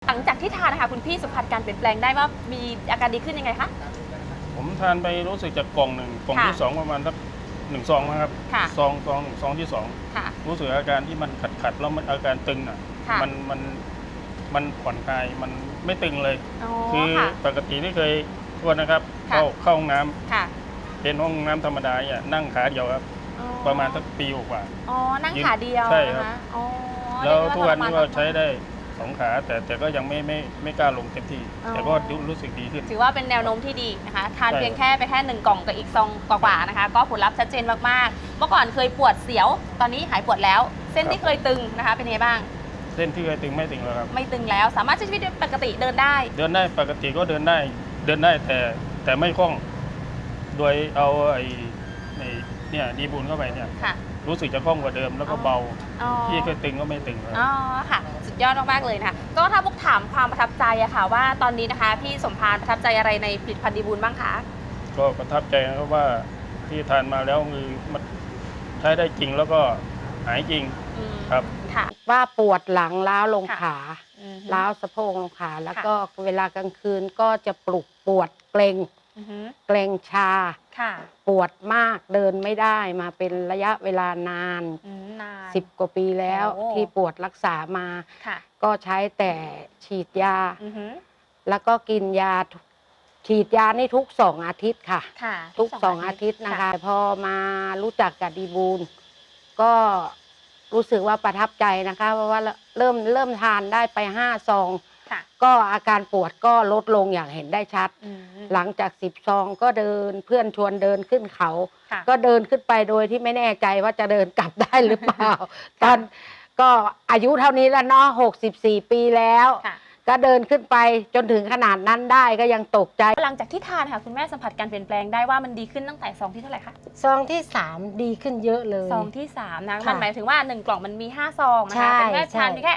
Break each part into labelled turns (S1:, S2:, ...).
S1: หลังจากที่ทานนะคะคุณพี่สัมผัสการเปลี่ยนแปลงได้ว่ามีอาการดีขึ้นยังไงคะ
S2: ผมทานไปรู้สึกจากกล่องหนึ่งกล่องที่สองประมาณสัก1 ซองนะครับซองที่2รู้สึกอาการที่มันขัดแล้วมันอาการตึงอ่ะมันผ่อนคลายมันไม่ตึงเลยคือปกติที่เคยทวนนะครับเข้าห้องน้ำเป็นห้องน้ำธรรมดาเนี่ยนั่งขาเดียวครับประมาณสักปีกว่า
S1: อ๋อนั่งขาเดียว
S2: ใช่ครับแล้วทุกวันนี้ก็ใช้ได้2 ขาแต่ก็ยังไม่กล้าลงเต็มที่แต่ก็รู้สึกดีขึ้น
S1: ถือว่าเป็นแนวโน้มที่ดีนะคะทานเพียงแค่ไปแค่1 กล่องกับอีกซองกว่าๆนะคะก็ผลลัพธ์ชัดเจนมากๆเมื่อก่อนเคยปวดเสียวตอนนี้หายปวดแล้วเส้นที่เคยตึงนะคะเป็นไงบ้าง
S2: เส้นที่เคยตึงไม่ตึงแล้วครับ
S1: ไม่ตึงแล้วสามารถใช้ชีวิตปกติเดินได้
S2: ปกติก็เดินได้แต่ไม่คล่องโดยเอาไอ้เนี่ยดีบุญเข้าไปเนี่ยรู้สึกจะคล่องกว่าเดิมแล้วก็เบาที่เคยตึงก็ไม่ตึงแล้ว
S1: อ๋อค่ะสุดยอดมากๆเลยนะคะก็ถ้าพวกถามความประทับใจอะค่ะว่าตอนนี้นะคะพี่สมภารประทับใจอะไรในผลิตภัณฑ์ดีบุญบ้างคะ
S2: ก็ประทับใจนะครับว่าที่ทานมาแล้วคือมันใช้ได้จริงแล้วก็หายจริงครับ
S3: ค่ะว่าปวดหลังล้าวลงขาล้าวสะโพกลงขาแล้วก็เวลากลางคืนก็จะปวดเกร็งชาปวดมากเดินไม่ได้มาเป็นระยะเวลานาน10 กว่าปีแล้วที่ปวดรักษามาก็ใช้แต่ฉีดยาแล้วก็กินยาฉีดยานี่ทุก2 อาทิตย์ค่ะทุก2 อาทิตย์นะคะพอมารู้จักกับดีบูลก็รู้สึกว่าประทับใจนะคะเพราะว่าเริ่มทานได้ไป5 ซองก็อาการปวดก็ลดลงอย่างเห็นได้ชัดหลังจาก10 ซองก็เดินเพื่อนชวนเดินขึ้นเขาก็เดินขึ้นไปโดยที่ไม่แน่ใจว่าจะเดินกลับได้หรือเปล่าตอนก็อายุเท่านี้แล้วเนาะ64 ปีแล้วก็เดินขึ้นไปจนถึงขนาดนั้นได้ก็ยังตกใจ
S1: หลังจากที่ทานค่ะคุณแม่สัมผัสการเปลี่ยนแปลงได้ว่ามันดีขึ้นตั้งแต่ซองที่เท่าไหร่คะ
S3: ซองที่3ดีขึ้นเยอะเลย
S1: ซองที่3นะมันหมายถึงว่า1 กล่องมันมี5 ซองนะคะเป็นแม่ทานแค่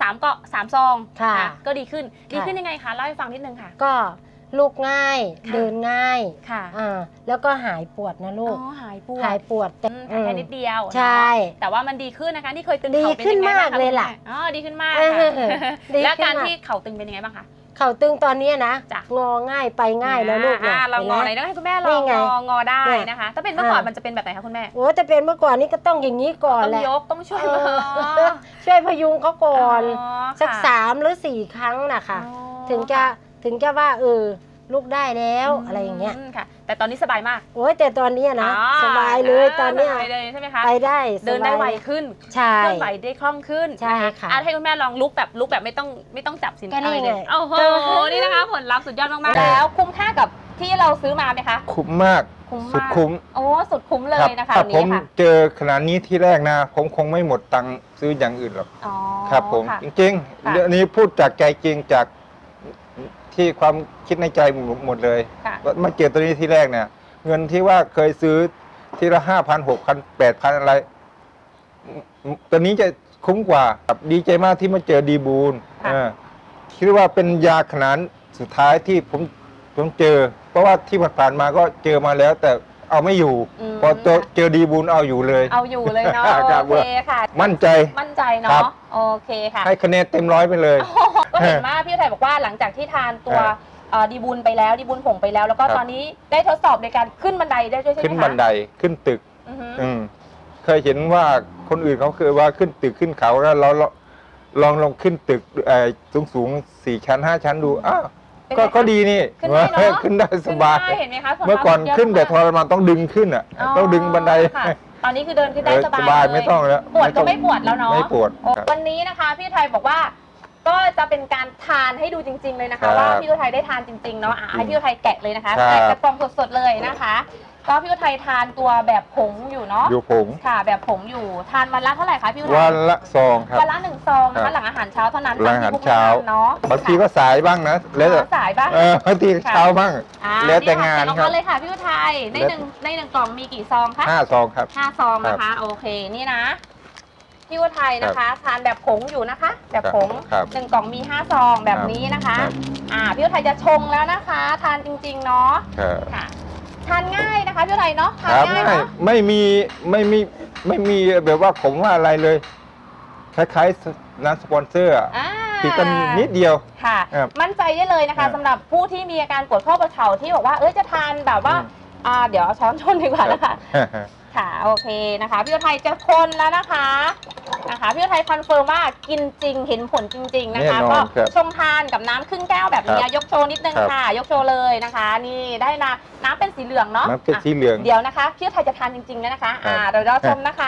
S1: 3 ซองก็ดีขึ้นยังไงคะเล่าให้ฟังนิดนึงค่ะ
S3: ก็ลูกง่ายเดินง่ายแล้วก็หายปวดนะลูก
S1: หายปวดแค่นิดเดียว
S3: ใช่
S1: แต่ว่ามันดีขึ้นนะคะที่เคยตึง
S3: เข่าเป็นยังไงบ้างคะดีขึ้นมากเลยล่ะ
S1: ดีขึ้นมากแล้วการที่เข่าตึงเป็นยังไงบ้างคะ
S3: เข่าตึงตอนนี้นะงอง่ายไปง่ายแล้วลูก
S1: เรางอไหนต้องให้คุณแม่ลองงอได้นะคะถ้าเป็นเมื่อก่อนมันจะเป็นแบบไหนคะคุณแม่
S3: โอ้จะเป็นเมื่อก่อนนี่ก็ต้องอย่างนี้ก่อนแหละ
S1: ต้องยกต้องช่
S3: วยพยุงเขาก่อนสัก3 หรือ 4 ครั้งนะคะถึงจะว่าลูกได้แล้วอะไรอย่างเงี้ย
S1: ค่ะแต่ตอนนี้สบายมาก
S3: โอ้ยแต่ตอนนี้นะสบายเลยตอนนี้
S1: ใช่ไหมคะ
S3: ไปได้
S1: เดินได้ไวขึ้น
S3: ใช่
S1: เคลื่อนไหวได้คล่องขึ้น
S3: ใช่ค่ะ
S1: ให้คุณแม่ลองลุกแบบไม่ต้องจับสินอะไรเลยโอ้โหนี่นะคะผลลัพธ์สุดยอดมากๆแล้วคุ้มค่ากับที่เราซื้อมาไหมคะ
S4: คุ้มมากสุดคุ้ม
S1: โอ้สุดคุ้มเลยนะคะ
S4: ถ้าผมเจอขนาดนี้ที่แรกนะผมคงไม่หมดตังค์ซื้ออย่างอื่นหรอกครับผมจริงๆเรื่องนี้พูดจากใจจริงจากที่ความคิดในใจหมดเลยมาเจอตัวนี้ที่แรกเนี่ยเงินที่ว่าเคยซื้อทีละ5,000 6,000 8,000อะไรตัวนี้จะคุ้มกว่าดีใจมากที่มาเจอดีบูลคิดว่าเป็นยาขนาดสุดท้ายที่ผมเจอเพราะว่าที่ผ่านมาก็เจอมาแล้วแต่เอาไม่อยู่พอเจอดีบูลเอาอยู่เลย
S1: เนาะโอเคค่ะ
S4: มั่นใจ
S1: เนาะโอเคค่ะ
S4: ให้คะแนนเต็ม100ไปเลย
S1: ก็เห็นว่าพี่ไทยบอกว่าหลังจากที่ทานตัวดีบุญไปแล้วดีบุญผงไปแล้วแล้วก็ตอนนี้ได้ทดสอบในการขึ้นบันไดได้ด้วยใช่ไหมคะ
S4: ขึ้นบันไดขึ้นตึกเคยเห็นว่าคนอื่นเขาเคยว่าขึ้นตึกขึ้นเขาแล้วเราลองขึ้นตึกสูง4 ชั้น 5 ชั้นดูก็ดีนี่ขึ้นได้สบาย
S1: เห็นไหมคะ
S4: เมื่อก่อนขึ้นแต่ทรมานต้องดึงขึ้นต้องดึงบันได
S1: ตอนนี้คือเดินขึ้นได้สบาย
S4: ไม่ต้องแล้ว
S1: ปวดก็ไม่ปวดแล้วเนาะ
S4: ไม่ปวด
S1: วันนี้นะคะพี่ไทยบอกว่าก็จะเป็นการทานให้ดูจริงๆเลยนะคะว่าพี่อุทัยได้ทานจริงๆเนาะให้พี่อุทัยแกะเลยนะคะแกะกระป๋องสดๆเลยนะคะก็พี่อุทัยทานตัวแบบผงอยู่เนาะ
S4: อยู่ผง
S1: ค่ะแบบผงอยู่ทานวันละเท่าไหร่คะพี่อุทัย
S4: วันละซองครับ
S1: วันละ1 ซองนะคะหลังอาหารเช้าเท่านั้น
S4: หลังอาหารเช้าเนาะบางทีก็สายบ้างนะแล้ว
S1: สายบ้าง
S4: บางทีเช้าบ้างแล้วแต่งาน
S1: ครับเลยค่ะพี่อุทัยในหนึ่งกล่องมีกี่ซองคะ
S4: 5 ซองครับ
S1: 5 ซองนะคะโอเคนี่นะพี่อุทัยนะคะทานแบบผงอยู่นะคะแบบผง1 กล่องมี5 ซองแบบนี้นะคะพี่อุทัยจะชงแล้วนะคะทานจริงๆเนาะค่ะทานง่ายนะคะพี่อุทัยเนาะทานง่ายเนาะ
S4: ไม่มีแบบว่าผมว่าอะไรเลยคล้ายน้ำสปอนเซอร์อะ
S1: อ่า
S4: ติดกันนิดเดียว
S1: ค่ะ
S4: ครับ
S1: มั่นใจได้เลยนะ
S4: ครั
S1: คะ
S4: บ
S1: สำหรับผู้ที่มีอาการปวดข้อประเข่าที่บอกว่าจะทานแบบว่าเดี๋ยวเอาช้อนชนดีกว่านะคะ ค่ะโอเคนะคะพี่อุทัยจะคนแล้วนะคะพี่อุทัยคอนเฟิร์มว่ากินจริงเห็นผลจริง ๆนะคะ
S4: แน่น
S1: ก็
S4: อนครับ
S1: ชงทานกับน้ำครึ่งแก้วแบบนี้
S4: ครับ
S1: ยกโชว์นิดนึง
S4: ครับ
S1: ค่ะ ยกโชว์เลยนะคะ นี่ได้น้ำเป็นสีเหลืองเนาะ
S4: น้ำเป็นสีเหลือง
S1: เดี๋ยวนะคะพี่อุทัยจะทานจริงๆแล้วนะคะเดี๋ยวเราชมนะคะ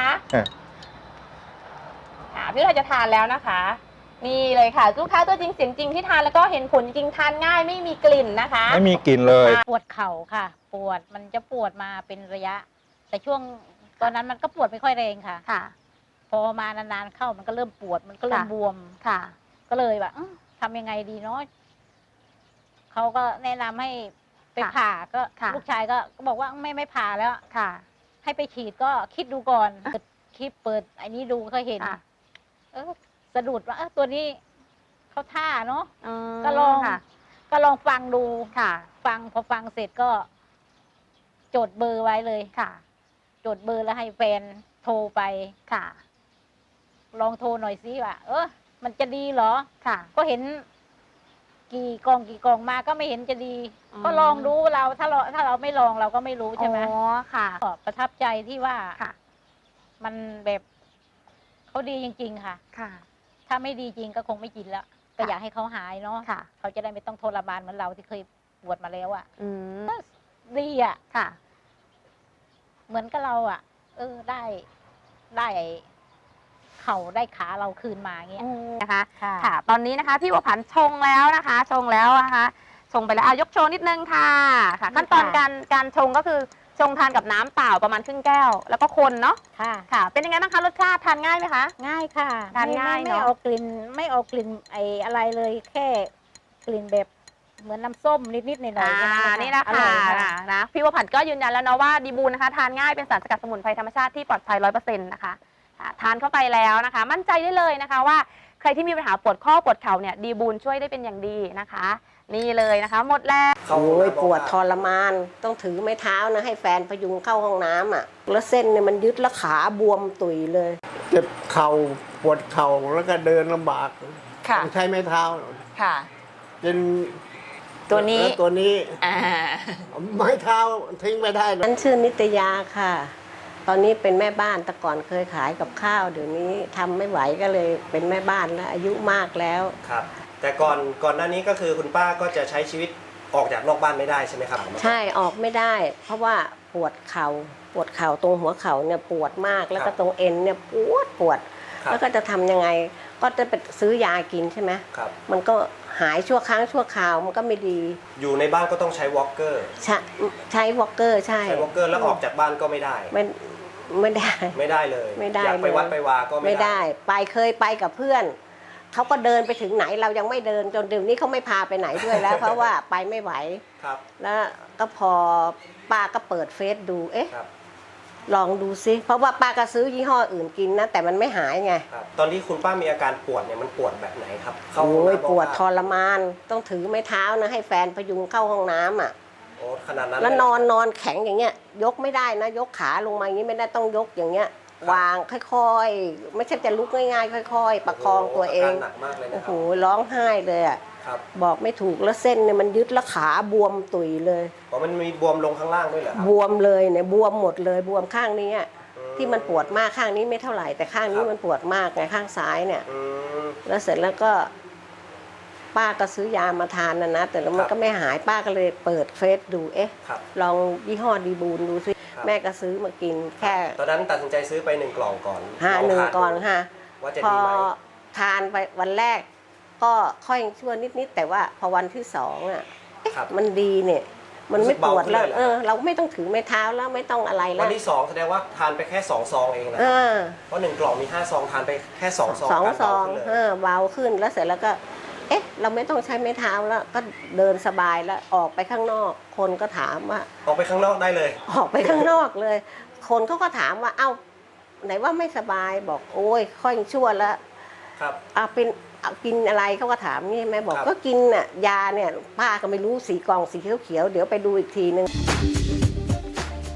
S1: พี่อุทัยจะทานแล้วนะคะ นี่เลยค่ะลูกค้าตัวจริงเสียงจริงที่ทานแล้วก็เห็นผลจริงทานง่ายไม่มีกลิ่นนะคะ
S4: ไม่มีกลิ่นเลย
S5: ปวดเข่าค่ะ ปวดมันจะปวดมาเป็นระยะ แต่ช่วงตอนนั้นมันก็ปวดไม่ค่อยแรงค่ะ
S1: ค่ะ
S5: พอมานานๆเข้ามันก็เริ่มปวดมันก็เริ่ม
S1: ค่ะ
S5: บวม
S1: ค่ะ
S5: ก็เลยแบบทำยังไงดีเนาะเขาก็แนะนำให้ไปผ่าก็
S1: ค่ะ
S5: ลูกชายก็บอกว่าไม่ผ่าแล้ว
S1: ค่ะ
S5: ให้ไปฉีดก็คิดดูก่อนเปิดคลิปเปิดไอ้นี้ดูก็เห็น
S1: ค่ะ
S5: สะดุดว่าตัวนี้เขาท่าเนาะ
S1: ม
S5: ก็ลอง
S1: ค่ะ
S5: ก็ลองฟังดู
S1: ค่ะ
S5: พอฟังเสร็จก็จดเบอร์ไว้เลย
S1: ค่ะ
S5: จดเบอร์แล้วให้แฟนโทรไป
S1: ค่ะ
S5: ลองโทรหน่อยสิว่ามันจะดีเหรอ
S1: ค่ะ
S5: ก็เห็นกี่กองมาก็ไม่เห็นจะดี
S1: อืม
S5: ก็ลองดูเราถ้าเราไม่ลองเราก็ไม่รู้ใช่ไหม
S1: อ๋อค่ะ
S5: ก็ประทับใจที่ว่า
S1: ค่ะ
S5: มันแบบเขาดีจริง ๆ ค่ะ
S1: ค่ะ
S5: ถ้าไม่ดีจริงก็คงไม่กินแล้วก็อยากให้เขาหายเนาะ
S1: ค่ะ
S5: เขาจะได้ไม่ต้องทรมานเหมือนเราที่เคยปวดมาแล้วอะ
S1: อืม
S5: ดีอะ
S1: ค่ะ
S5: เหมือนกับเราอะได้เข่าได้ขาเราคืนมาเงี้ย
S1: นะคะ
S5: ค่ะ
S1: ค่ะ ตอนนี้นะคะพี่บัวผันชงแล้วนะคะ ชงแล้วนะคะ ชงไปแล้วยกโชว์นิดนึงค่ะ ค่ะ ขั้นตอนการชงก็คือชงทานกับน้ำเปล่าประมาณครึ่งแก้ว แล้วก็คนเนาะ
S5: ค่ะ
S1: ค่ะ เป็นยังไงบ้างคะรสชาติทานง่ายไหมคะ
S5: ง่ายค่ะ
S1: ทานง่าย
S5: ไม่
S1: เนอะ
S5: เอากลิ่นไม่เอากลิ่นไออะไรเลยแค่กลิ่นแบบเหมือนน้ำส้มนิดๆหน่อยๆแค่
S1: นี่นะ
S5: อ
S1: คะ
S5: ร่อยค่ะ
S1: นะพี่บัวผันก็ยืนยันแล้วเนาะว่าดีบูนนะคะทานง่ายเป็นสารสกัดสมุนไพรธรรมชาติที่ปลอดภัย 100% นะคะทานเข้าไปแล้วนะคะ มั่นใจได้เลยนะคะว่าใครที่มีปัญหาปวดข้อปวดเข่าเนี่ยดีบูนช่วยได้เป็นอย่างดีนะคะ นี่เลยนะคะ หมดแล้ว
S6: โอ้ยปวดทรมาน ต้องถือไม้เท้านะให้แฟนพยุงเข้าห้องน้ำอ่ะ แล้วเส้นเนี่ยมันยึดแล้วขาบวมตุยเลย
S7: เจ็บเข่าปวดเข่าแล้วก็เดินลำบาก
S1: ค่ะ
S7: ต้องใช้ไม้เท้า
S1: ค่ะ
S7: เป็น
S1: ตัวนี้
S7: แล้วตัวนี้ไม้เท้าทิ้งไม่ได้นะ
S6: ฉันชื่อนิตยาค่ะ ตอนนี้เป็นแม่บ้านแต่ก่อนเคยขายกับข้าวเดี๋ยวนี้ทำไม่ไหวก็เลยเป็นแม่บ้านแล้วอายุมากแล้ว
S8: ครับ แต่ก่อนหน้านี้ก็คือคุณป้าก็จะใช้ชีวิตออกจากนอกบ้านไม่ได้ใช่ไหมครับ
S6: ใช่ออกไม่ได้ เพราะว่าปวดเข่าตรงหัวเข่าเนี่ยปวดมากแล้วก็ตรงเอ็นเนี่ยปวด
S8: ครับ
S6: แล้วก็จะทำยังไง ก็จะไปซื้อยากินใช่ไหม
S8: ครับ
S6: มันก็หายชั่วครั้งชั่วคราวมันก็ไม่ดี
S8: อยู่ในบ้านก็ต้องใช้วอล์กเกอร์
S6: ใช้วอลเกอร์ใช่
S8: ใช้วอล์กเกอร์แล้วออกจากบ้านก็ไม่ได้
S6: ไม่ได้
S8: ไม่ได้เลย
S6: ไม่ได้
S8: อยากไป
S6: เลย
S8: วัดไปวาก็
S6: ไม่ได้เคยไปกับเพื่อนเขาก็เดินไปถึงไหนเรายังไม่เดินจนเดี๋ยวนี้เขาไม่พาไปไหนด้วยแล้ว เพราะว่าไปไม่ไหว
S8: ครับ
S6: แล้วก็พอป้าก็เปิดเฟซดูเอ๊ะ
S8: ครับ
S6: ลองดูซิเพราะว่าป้าก็ซื้อยี่ห้ออื่นกินนะแต่มันไม่หายไง
S8: ครับ ตอนที่คุณป้ามีอาการปวดเนี่ยมันปวดแบบไหนครับเข้าห้อง
S6: โอ้ย
S8: น้ำ
S6: ปวด
S8: บ้าง
S6: ทรมานต้องถือไม้เท้านะให้แฟนพยุงเข้าห้องน้ำอ่ะ
S8: โอ้ขนาดนั้น
S6: แล้ว
S8: เย
S6: นอนแข็งอย่างเงี้ยยกไม่ได้นะยกขาลงมาอย่างนี้ไม่ได้ต้องยกอย่างเงี้ย
S8: ครับ
S6: วางค่อยๆ ไม่ใช่จะลุกง่ายๆค่อยๆ ประคองตัวเอง
S8: าการหนักมากเลยนะ
S6: โอ้
S8: ค
S6: โห
S8: รับ
S6: ร้องไห้เลยอ่ะ
S8: ครับ
S6: บอกไม่ถูกแล้วเส้นเนี่ยมันยึดแล้วขาบวมตุยเลย
S8: อ๋อมันมีบวมลงข้างล่างด้วยเหรอครับ
S6: บวมเลยเนี่ยบวมหมดเลยบวมข้างนี้อะ
S8: อื
S6: ที่มันปวดมากข้างนี้ไม่เท่าไหร่แต่ข้างนี้มันปวดมากไงข้างซ้ายเนี่ย
S8: อืม
S6: แล้วเสร็จแล้วก็ป้าก็ซื้อยามาทานนะแต่แล้วมันก็ไม่หายป้าก็เลยเปิดเฟซดูเอ๊ะ
S8: ครับ
S6: ลองยี่ห้อดีบูนดูซิ
S8: ครับ
S6: แม่ก็ซื้อมากินแค่
S8: ตอนนั้นตัดสินใจซื้อไป1 กล่องก่อน
S6: 1
S8: ลทา
S6: ก่อนค่ะ
S8: ว่าจะ
S6: พอ
S8: ดีไหม
S6: ทานไปวันแรก ก็ค่อยชั่วนิดๆแต่ว่าพอวันที่2อ่ะ
S8: ครับ
S6: มันดีเนี่ย มันไม่ปวดแล้ว
S8: รู้สึกเบาขึ้นเลยเหรอ
S6: เราไม่ต้องถือไม้เท้าแล้วไม่ต้องอะไรแล้
S8: วั
S6: วน
S8: ที่2แสดงว่าทานไปแค่2 ซองเองนะ
S6: เอ
S8: ครับ
S6: อ
S8: เพราะ1 กล่องมี5 ซองทานไปแค่2 ซอง
S6: สอง
S8: การ
S6: ซอง
S8: เบาขึ้นเลย
S6: เบาขึ้นแล้วเสร็จแล้วก็ เอ๊ะ เราไม่ต้องใช้ไม้เท้าแล้ว ก็เดินสบายแล้วออกไปข้างนอก คนก็ถามว่า
S8: ออกไปข้างนอกได้เลย
S6: ออกไปข้างนอกเลย คนเขาก็ถามว่าเอ้าไหนว่าไม่สบายบอกโอ้ยค่อยชั่วแล้ว
S8: ครับ
S6: กินอะไรเขาก็ถามนี่แม่บอก
S8: ครับ
S6: ก็กินน่ะยาเนี่ยป้าก็ไม่รู้สีกล่องสีเขียวๆเดี๋ยวไปดูอีกทีนึง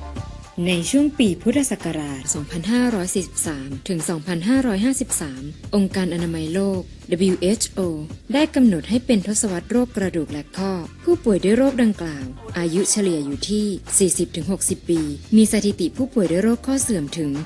S9: ในช่วงปีพุทธศักราช 2543 ถึง 2553 องค์การอนามัยโลก WHO ได้กำหนดให้เป็นทศวรรษโรคกระดูกและข้อ ผู้ป่วยด้วยโรคดังกล่าว อายุเฉลี่ยอยู่ที่ 40-60 ปี มีสถิติผู้ป่วยด้วยโรคข้อเสื่อมถึง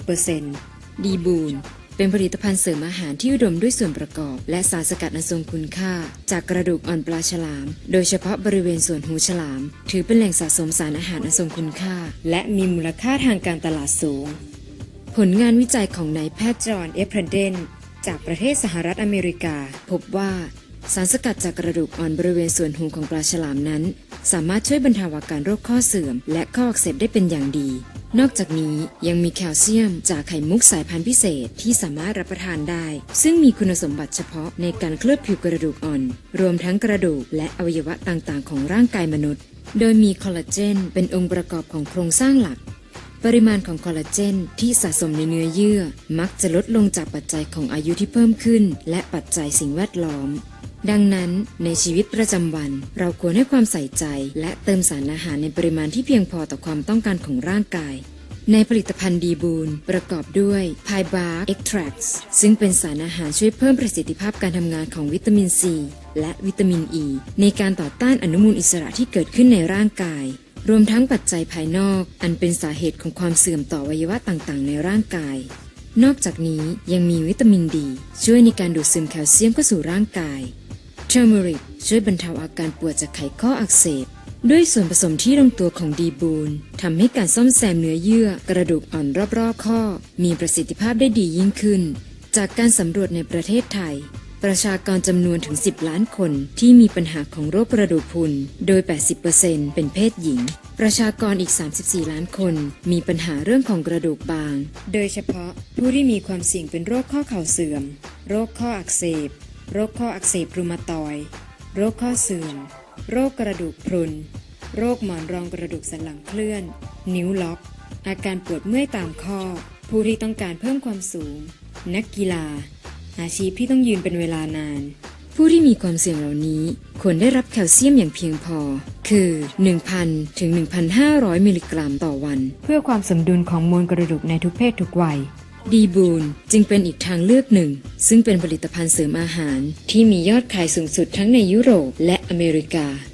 S9: 50% ดีบูนเป็นผลิตภัณฑ์เสริมอาหารที่อุดมด้วยส่วนประกอบและสารสกัดอันทรงคุณค่าจากกระดูกอ่อนปลาฉลามโดยเฉพาะบริเวณส่วนหูฉลามถือเป็นแหล่งสะสมสารอาหารอันทรงคุณค่าและมีมูลค่าทางการตลาดสูงผลงานวิจัยของนายแพทย์จอห์น เอฟเพรเดนจากประเทศสหรัฐอเมริกาพบว่าสารสกัดจากกระดูกอ่อนบริเวณส่วนหูของปลาฉลามนั้นสามารถช่วยบรรเทาอาการโรคข้อเสื่อมและข้ออักเสบได้เป็นอย่างดีนอกจากนี้ยังมีแคลเซียมจากไข่มุกสายพันธุ์พิเศษที่สามารถรับประทานได้ซึ่งมีคุณสมบัติเฉพาะในการเคลือบผิวกระดูกอ่อนรวมทั้งกระดูกและอวัยวะต่างๆของร่างกายมนุษย์โดยมีคอลลาเจนเป็นองค์ประกอบของโครงสร้างหลักปริมาณของคอลลาเจนที่สะสมในเนื้อเยื่อมักจะลดลงจากปัจจัยของอายุที่เพิ่มขึ้นและปัจจัยสิ่งแวดล้อมดังนั้นในชีวิตประจำวันเราควรให้ความใส่ใจและเติมสารอาหารในปริมาณที่เพียงพอต่อความต้องการของร่างกายในผลิตภัณฑ์ดีบูนประกอบด้วย Pie Bark Extracts ซึ่งเป็นสารอาหารช่วยเพิ่มประสิทธิภาพการทำงานของวิตามินซีและวิตามินอ e ีในการต่อต้านอนุมูลอิสระที่เกิดขึ้นในร่างกายรวมทั้งปัจจัยภายนอกอันเป็นสาเหตุของความเสื่อมต่ออวัยวะต่างๆในร่างกายนอกจากนี้ยังมีวิตามินดีช่วยในการดูดซึมแคลเซียมเข้าสู่ร่างกายเทอร์เมริกช่วยบรรเทาอาการปวดจากไขข้ออักเสบด้วยส่วนผสมที่ลงตัวของดีบูนทำให้การซ่อมแซมเนื้อเยื่อกระดูกอ่อนรอบๆข้อมีประสิทธิภาพได้ดียิ่งขึ้นจากการสำรวจในประเทศไทยประชากรจำนวนถึง10 ล้านคนที่มีปัญหาของโรคกระดูกพรุนโดย 80% เป็นเพศหญิงประชากรอีก34 ล้านคนมีปัญหาเรื่องของกระดูกบางโดยเฉพาะผู้ที่มีความเสี่ยงเป็นโรคข้อเข่าเสื่อมโรคข้ออักเสบโรคข้ออักเสบรูมาตอยด์โรคข้อเสื่อมโรคกระดูกพรุนโรคหมอนรองกระดูกสันหลังเคลื่อนนิ้วล็อกอาการปวดเมื่อยตามข้อผู้ที่ต้องการเพิ่มความสูงนักกีฬาอาชีพที่ต้องยืนเป็นเวลานานผู้ที่มีความเสี่ยงเหล่านี้ควรได้รับแคลเซียมอย่างเพียงพอคือ 1,000 ถึง 1,500 มิลลิกรัมต่อวันเพื่อความสมดุลของมวลกระดูกในทุกเพศทุกวัยดีบูนจึงเป็นอีกทางเลือกหนึ่งซึ่งเป็นผลิตภัณฑ์เสริมอาหารที่มียอดขายสูงสุดทั้งในยุโรปและอเมริกา